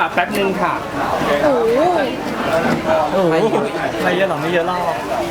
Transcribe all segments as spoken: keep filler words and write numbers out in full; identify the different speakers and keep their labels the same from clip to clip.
Speaker 1: แป๊บนึงค่ะ
Speaker 2: โอ้โห
Speaker 3: โอ้โหไม่เยอะหรอไม่เยอะหรอก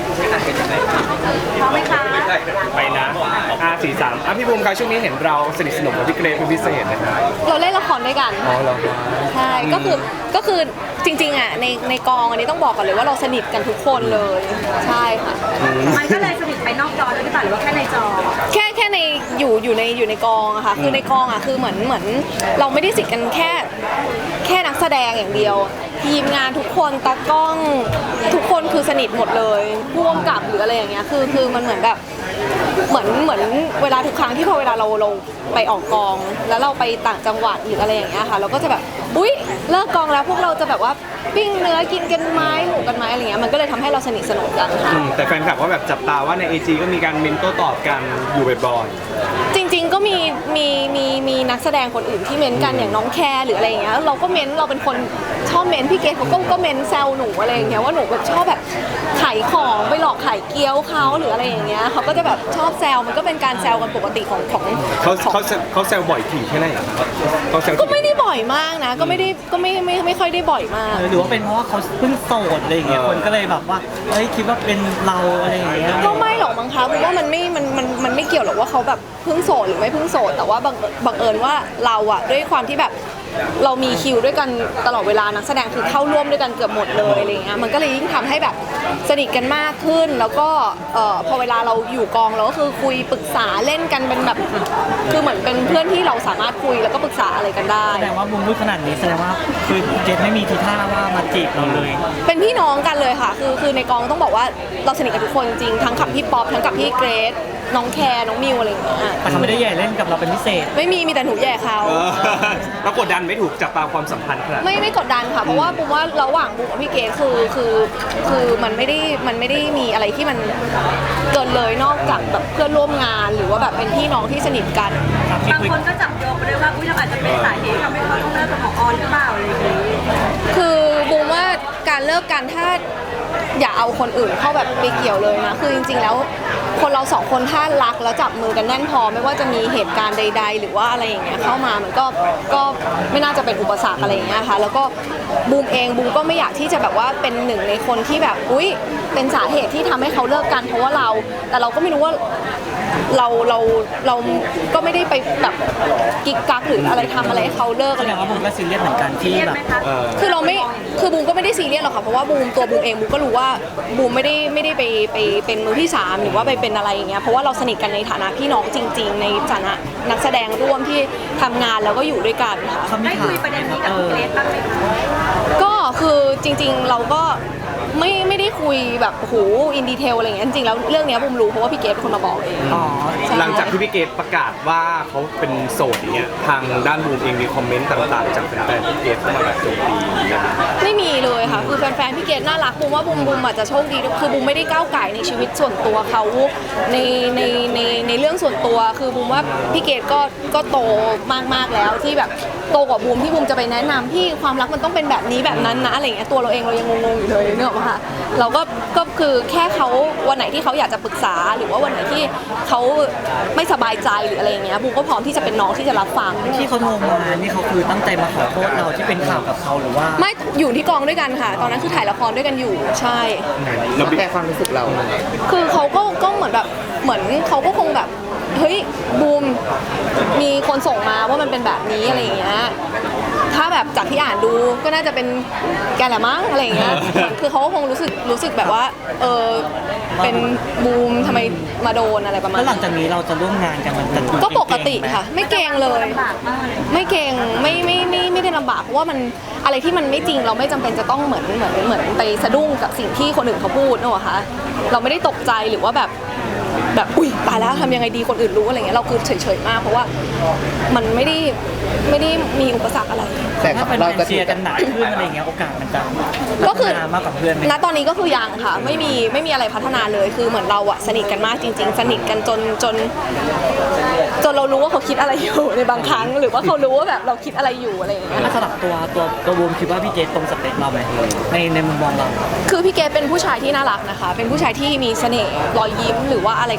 Speaker 2: พร้อมไหมคะ
Speaker 1: ไปนะอาสี่สามอ่ะพี่บูมครับช่วงนี้เห็นเราสนิทสนมกับพี่เกรซเป็นพิเศษนะครับ
Speaker 2: เราเล่นละครด้วยกัน
Speaker 1: อ๋อเหรอ
Speaker 2: ใช่ก็คือก็คือจริงๆอ่ะในในกองอันนี้ต้องบอกก่อนเลยว่าเราสนิทกันทุกคนเลยใช่ค่ะ
Speaker 4: มันก็เลยสนิทไปนอกจอด้วยหรือเปล่าหรือว่าแค่ในจอ
Speaker 2: แค่แค่ในอยู่อยู่ในอยู่ในกองอะค่ะคือในกองอะคือเหมือนเหมือนเราไม่ได้สนิทกันแค่แค่นักแสดงอย่างเดียว ทีมงานทุกคนตากล้องทุกคนคือสนิทหมดเลยร่วมกับหรืออะไรอย่างเงี้ยคือคือมันเหมือนแบบเหมือนเหมือนเวลาทุกครั้งที่พอเวลาเราเราไปออกกอง แล้วเราไปต่างจังหวัดหรืออะไรอย่างเงี้ยค่ะเราก็จะแบบอุ๊ยเลิกกองแล้วพวกเราจะแบบว่าปิ้งเนื้อกินกันไหมหมูกันไหมอะไรเงี้ยมันก็เลยทำให้เราสนิทสนมกันค่ะ
Speaker 1: อืมแต่แฟนคลับก็แบบจับตาว่าใน ไอ จี ก็มีการเมนโต้ตอบกันอยู่บ่อย
Speaker 2: จริงๆก็มีมีมีมีนักแสดงคนอื่นที่เม้นกันอย่างน้องแคร์หรืออะไรอย่างเงี้ยเราก็เม้นเราเป็นคนชอบเม้นพี่เกดเขาก็ก็เม้นแซวหนูอะไรอย่างเงี้ยว่าหนูแบบชอบแบบขายของไปหลอกขายเกี๊ยวเขาหรืออะไรอย่างเงี้ยเขาก็จะแบบชอบแซวมันก็เป็นการแซวกันปกติของของ
Speaker 1: ๆเขาเขาเขาแซวบ่อยถี่แค่ไหนอะครับเขาแซว
Speaker 2: ก็ไม่ได้บ่อยมากนะ ก็ไม่ได้ก็ไม่ไม่ไม่ค่อยได้บ่อยมาก
Speaker 3: หรือว่าเป็นเพราะว่าเขาเพิ่งโสดอะไรอย่างเงี้ยคนก็เลยแบบว่าเฮ้ยคิดว่าเป็นเราอะไรอย่างเงี้ย
Speaker 2: ก็ไม่หรอกมั้งคะเพราะว่ามันไม่มันมันมันไม่เกี่ยวหรอกว่าเขาแบบเพิ่งโสดหรือไม่เพิ่งโสดแต่ว่าบังบังเอิญว่าเราอะด้วยความที่แบบเรามีคิวด้วยกันตลอดเวลานักแสดงคือเข้าร่วมด้วยกันเกือบหมดเลยอะไรเงี้ยมันก็เลยยิ่งทำให้แบบสนิทกันมากขึ้น แล้วก็เอ่อพอเวลาเราอยู่กองเราก็คือคุยปรึกษาเล่นกันเป็นแบบคือเหมือนเป็นเพื่อนที่เราสามารถคุยแล้วก็ปรึกษาอะไรกันได้
Speaker 3: แสดงว่ามุมพูดขนาดนี้แสดงว่าคือเจนไม่มีทีท่าว่ามาจีบเราเลย
Speaker 2: เป็นพี่น้องกันเลยค่ะ คือคือในกองต้องบอกว่าเราสนิทกันทุกคนจริงทั้งกับพี่ป๊อปทั้งกับพี่เกรซน้องแคร์น้องมิวอะไรอย่างเงี้ย
Speaker 3: แต่เขาไม่ได้แย่เล่นกับเราเป็นพิเศษ
Speaker 2: ไม่มีมีแต่หนูแย่เขา
Speaker 1: เออแล้วกดดันไม่ถูกจับตาความสัมพันธ์ขนาดนั้น
Speaker 2: ไม่ไม่กดดันค่ะเพราะว่าบูมว่าระหว่างบูมกับพี่เกดคือคือคือมันไม่ได้มันไม่ได้มีอะไรที่มันเกินเลยนอกจากแบบเพื่อนร่วมงานหรือว่าแบบเป็นพี่น้องที่สนิทกัน
Speaker 4: บางคนก็จับโยงไปด้วยว่าอุ้ยเราอาจจะเป็นสาเหตุทำให้เขาต้องเลิกกับหมอออนหรือเปล่าอะไรอย่างนี้
Speaker 2: คือบูมว่าการเลิกกันถ้าอย่าเอาคนอื่นเข้าแบบไปเกี่ยวเลยนะคือจริงๆแล้วคนเราสองคนถ้ารักแล้วจับมือกันแน่นพอไม่ว่าจะมีเหตุการณ์ใด ๆ หรือว่าอะไรอย่างเงี้ยเข้ามามันก็ก็ไม่น่าจะเป็นอุปสรรคอะไรอย่างเงี้ยค่ะแล้วก็บูมเองบูมก็ไม่อยากที่จะแบบว่าเป็นหนึ่งในคนที่แบบอุ๊ยเป็นสาเหตุที่ทำให้เขาเลิกกันเพราะว่าเราแต่เราก็ไม่รู้ว่าเราเราเราก็ไม่ได้ไปแบบกิ๊กกักหรืออะไรทำอะไรให้เขาเลิก
Speaker 3: แส
Speaker 2: อะไร
Speaker 3: ด
Speaker 2: อง ย่าง
Speaker 3: ว่า
Speaker 2: เงี้ย
Speaker 3: ผมก็ซีเรียสเหมือนกันที่
Speaker 4: เครียด
Speaker 3: แบบ
Speaker 4: ไหมคะ
Speaker 1: เออ
Speaker 2: คือเราไม่ คือบูมก็ไม่ได้ซีเรียสหรอกค่ะ เพราะว่าบูมตัวบูมเองบูมก็รู้ว่าบูมไม่ได้ไม่ได้ไปไปเป็นมือที่สามหรือว่าไปเป็นอะไรอย่างเงี้ย เพราะว่าเราสนิทกันในฐานะพี่น้องจริง ๆ ในฐานะนักแสดงร่วมที่ทำงานแล้วก็อยู่ด้วยกันค่ะ
Speaker 3: เขามี
Speaker 4: ได้
Speaker 3: ถา
Speaker 4: คุ
Speaker 3: ม
Speaker 4: ยประเด็นนี้กับคุณเกรซบ้างไหมคะ
Speaker 2: ก็คือจริงๆเราก็ไม่ไม่ได้คุยแบบโอ้โหอินดีเทลอะไรอย่างเงี้ย จริงๆแล้วเรื่องเนี้ยบูมรู้เพราะว่าพี่เกดเป็นคนมาบอกเอง
Speaker 3: อ๋อ
Speaker 2: ใช่
Speaker 1: หลังจากที่พี่เกดประกาศว่าเขาเป็นโสดอย่างเงี้ยทางด้านบูมเองมีคอมเมนต์ต่างๆจากแฟนๆพี่เกดเข้ามาแบบโจมตีนะครับ
Speaker 2: ไม่มีเลยค่ะ คือแฟนๆพี่เกดน่ารักบูมว่าบูมบูมอาจจะโชคดีด้วยคือบูมไม่ได้ก้าวไก่ในชีวิตส่วนตัวเขาในในในในเรื่องส่วนตัว คือบูมว่าพี่เกดก็ก็โตมากๆแล้วที่แบบโตกว่าบูมที่บูมจะไปแนะนำพี่ความรักมันต้องเป็นแบบนี้แบบนั้นนะอะไรอย่างเงี้ยตัวเราเองเรายังงงๆอยู่เลยเนกอะมาค่ะเราก็ก็คือแค่เขาวันไหนที่เขาอยากจะปรึกษาหรือว่าวันไหนที่เขาไม่สบายใจหรืออะไรอย่างเงี้ยบูมก็พร้อมที่จะเป็นน้องที่จะรับฟัง
Speaker 3: ที่เขาโทรมานี่เขาคือตั้งใจมาขอโทษเราที่เป็นข่าวกับเขาหรือว่า
Speaker 2: ไม่อยู่ที่กองด้วยกันค่ะ ตอนนั้นคือถ่ายละครด้วยกันอยู่ใช่
Speaker 1: แล้วพี่
Speaker 5: แค่ความรู้สึกเรา
Speaker 2: คือเขาก็ก็เหมือนแบบเหมือนเขาก็คงแบบเฮ้ยบูมมีคนส่งมาว่ามันเป็นแบบนี้อะไรอย่างเงี้ยถ้าแบบจากที่อ่านดูก็น่าจะเป็นแกแหละมั้งอะไรอย่างเงี้ยคือเขาก็คงรู้สึกรู้สึกแบบว่าเออเป็นบูมทำไมมาโดนอะไรประมาณ
Speaker 3: แล้วหลั
Speaker 2: นั้
Speaker 3: ง
Speaker 2: น
Speaker 3: จากนี้เราจะร่วมงานกันมันจะดู
Speaker 2: ก็ปกติ
Speaker 3: เงๆไหม
Speaker 2: ค่ะ ไม่เกรงเลย
Speaker 4: ลำบากมาก
Speaker 2: ไม่เกรงไม่ไม่ไม่ไม่ได้ลำบากเพราะว่ามันอะไรที่มันไม่จริงเราไม่จำเป็นจะต้องเหมือนเหมือนเหมือนไปสะดุ้งกับสิ่งที่คนอื่นเขาพูดนึกออกคะเราไม่ได้ตกใจหรือว่าแบบแบบอุ้ยตายแล้วทำยังไงดีคนอื่นรู้อะไรเงี้ยเราคือเฉยๆมากเพราะว่ามันไม่ได้ไม่ได้มีอุปสรรคอะไร
Speaker 5: แต่
Speaker 3: ถ้าเป็น
Speaker 5: เราจะ
Speaker 3: เชียร์กันหนักขึ้นอะไรอย่างเงี้ยโอกาสมันจะ
Speaker 2: ก็คือ
Speaker 3: พัฒนามากกว่าเพื่อนไหม
Speaker 2: ณตอนนี้ก็คือยังค่ะไม่มีไม่มีอะไรพัฒนาเลยคือเหมือนเราอะสนิทกันมากจริง ๆ สนิทกันจนจน จนเรารู้ว่าเขาคิดอะไรอยู่ในบางครั้ง หรือว่าเขารู้ว่าแบบเราคิดอะไรอยู่อะไรอย่างเงี้ย
Speaker 3: ถ้าสลับตัวตัวตัวบูมคิดว่าพี่เจตรงสเปคเราไหมในในมุมมองเรา
Speaker 2: คือพี่เกดเป็นผู้ชายที่น่ารักนะคะ เป็นผู้ชายที่มีเสน่ห์รอยยิ้มหรือว่าอะไร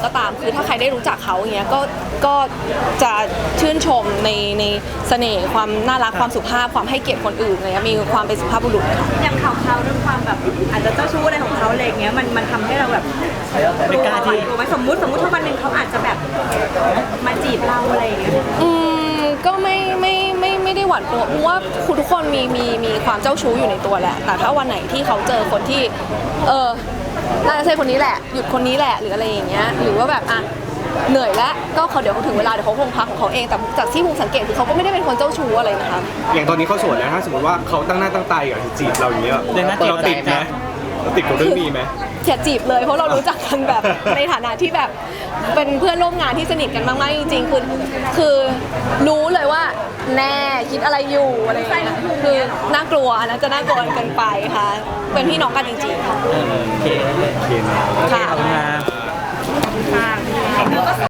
Speaker 2: ก็ตามคือถ้าใครได้รู้จักเขาอย่างเงี้ยก็ก็จะชื่นชมในในเสน่ห์ความน่ารักความสุภาพความให้เกียรติคนอื่นอะไรเงี้ยมีความเป็นสุภาพบุรุษค่ะ
Speaker 4: อย่างข่าวเขาเรื่องความแบบอาจจะเจ้าชู้อะไรของเขาอะไรอย่างเงี้ยมันมันทำให้เราแบบ
Speaker 3: ไม่กล้าที่
Speaker 4: กลัวไหมสมมุติสมมุติถ้าวันหนึ่งเขาอาจจะแบบมาจีบเราอะไรอย่างเงี้ย
Speaker 2: อืมก็ไม่ไม่ไม่ไม่ได้หวั่นกลัวเพราะว่าคุณทุกคนมีมีมีความเจ้าชู้อยู่ในตัวแหละแต่ถ้าวันไหนที่เขาเจอคนที่เออน่าจะใช่คนนี้แหละหยุดคนนี้แหละหรืออะไรอย่างเงี้ยหรือว่าแบบอ่ะเหนื่อยแล้วก็เขาเดี๋ยวเขาถึงเวลาเดี๋ยวเขาคงพักของเขาเองแต่จากที่ภูมิสังเกตคือเขาก็ไม่ได้เป็นคนเจ้าชู้อะไรนะคะ
Speaker 1: อย่างตอนนี้เขาโสดแล้วถ้าสมมติว่าเขาตั้งหน้าตั้งตาอยากจะจีบเราอย่างเงี้ย
Speaker 3: เดี๋ยวนะจีบ
Speaker 1: เราติดไหม
Speaker 3: อะไรนะ
Speaker 1: เราติดกับเรื่องนี้ไหม
Speaker 2: อย่าจีบเลยเพราะเรารู้จักกันแบบ ในฐานะที่แบบเป็นเพื่อนร่วมงานที่สนิทกันมากๆจริงๆคือคือรู้เลยว่าแน่คิดอะไรอยู่อะไรอย่างเงี้ยคือน่ากลัวอันนั้นจะน่ากลัวเกินไปค่ะเป็นพี่น้องกันจริงๆค่ะ
Speaker 3: โอเค
Speaker 1: โอเคนะ
Speaker 3: โอเคขอบคุณครับ
Speaker 2: ค่ะ